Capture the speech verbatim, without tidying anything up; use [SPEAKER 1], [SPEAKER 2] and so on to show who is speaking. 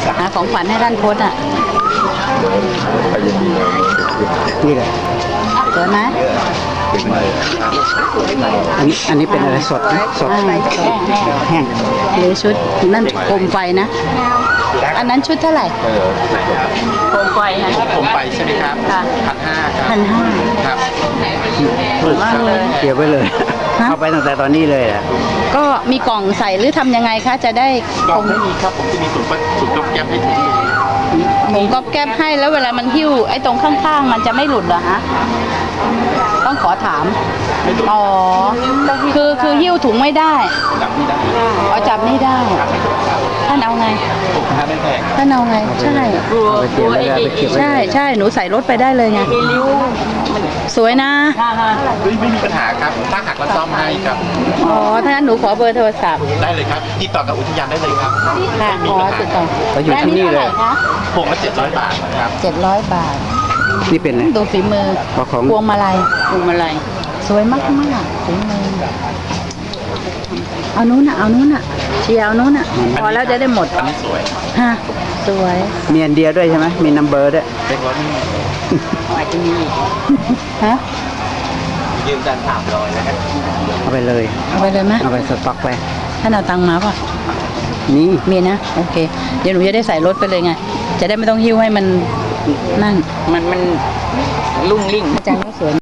[SPEAKER 1] หาของขวัญให้ท่านพจน์อ่ะ
[SPEAKER 2] ไปยังมีเลย
[SPEAKER 3] นี่แหละ
[SPEAKER 1] สวยไหม
[SPEAKER 2] เป็นไง
[SPEAKER 3] อันนี้อันนี้เป็นอะไรสดนะสด
[SPEAKER 1] อ่า
[SPEAKER 3] แห้ง
[SPEAKER 1] หรือชุดนั่นโคมไฟนะ อันนั้นชุดเท่าไหร่
[SPEAKER 2] เออ
[SPEAKER 1] โคมไฟนะ
[SPEAKER 4] ผมไปใช่ไหมครับ
[SPEAKER 1] ค่ะ
[SPEAKER 4] พันห้าครับ
[SPEAKER 1] พันห้า
[SPEAKER 4] ครับ
[SPEAKER 1] สวยมากเลย
[SPEAKER 3] เกี่ยวไว้เลย
[SPEAKER 1] ฮะ
[SPEAKER 3] เอาไปตั้งแต่ตอนนี้เลยอ่ะ
[SPEAKER 1] ก็มีกล่องใส่หรือทำยังไงคะ จะได้
[SPEAKER 4] กล่องไม่มีครับ ผมจะมีถุงถุงก๊อบแก๊บให้ถุงหนึ่ง
[SPEAKER 1] ผมก็แก้ให้แล้วเวลามันหิ้วไอ้ตรงข้างๆ มันจะไม่หลุดเหรอฮะ ต้องขอถาม อ๋อ คือคือหิ้วถุงไม่ได้
[SPEAKER 4] จับไม่ได้
[SPEAKER 1] เอาจับไม่ได้ ท่านเอาไง
[SPEAKER 4] ผมทานไม่แพง
[SPEAKER 1] ท่านเอาไง ใช่
[SPEAKER 3] เอาไปเก็บไว้เลยเอาไปเก็บไว้เลย
[SPEAKER 1] ใช่ใช่หนูใส่รถไปได้เลยไง สวยนะ
[SPEAKER 4] ไม่ไม่มีปัญหาครับ ถ้าหักแล้วซ่อมให้ครับ
[SPEAKER 1] อ๋อ ถ้างั้นหนูขอเบอร์โทรศัพท์
[SPEAKER 4] ได้เลยครับ ติดต่อกับอุทยานได้เลยครับ
[SPEAKER 1] ค่ะ
[SPEAKER 4] ไม่
[SPEAKER 1] ข
[SPEAKER 4] มี
[SPEAKER 1] อ
[SPEAKER 4] ปัญหา
[SPEAKER 1] ติดต่อ
[SPEAKER 3] เขาอยู่ที่นี่เลย
[SPEAKER 4] พวงละเจ็ดร้อยบาทนะครับ
[SPEAKER 1] เจ็ดร้อยบาท
[SPEAKER 3] นี่เป็นอะไร
[SPEAKER 1] ดูฝีมือ
[SPEAKER 3] เอาของ
[SPEAKER 1] พวงมาลัยพวงมาลัย สวยมากมากๆฝีมือ เอานู้นน่ะ เอานู้นน่ะ เชียร์เอานู้นน่ะ พอแล้วจะได้หมด
[SPEAKER 4] อันนี้สวย
[SPEAKER 1] ฮะ สวย
[SPEAKER 3] มีอันเดียวด้วยใช่ไหมมีนัมเบอร์ด้วย
[SPEAKER 4] เล็กร้อยนี่
[SPEAKER 1] อาจจะมีฮะ
[SPEAKER 4] ยืมกันสามร้อยนะครับ
[SPEAKER 3] เอาไปเลย
[SPEAKER 1] เอาไปเลยไหม
[SPEAKER 3] เอาไปสต็อกไป
[SPEAKER 1] ท่านเอาตังค์มาป่ะ
[SPEAKER 3] นี่
[SPEAKER 1] มีนะ โอเค เดี๋ยวหนูจะได้ใส่รถไปเลยไง จะได้ไม่ต้องหิ้วให้มันนั่น
[SPEAKER 5] มันมันลุ่งลิ่ง
[SPEAKER 1] อาจารย์ก็สวย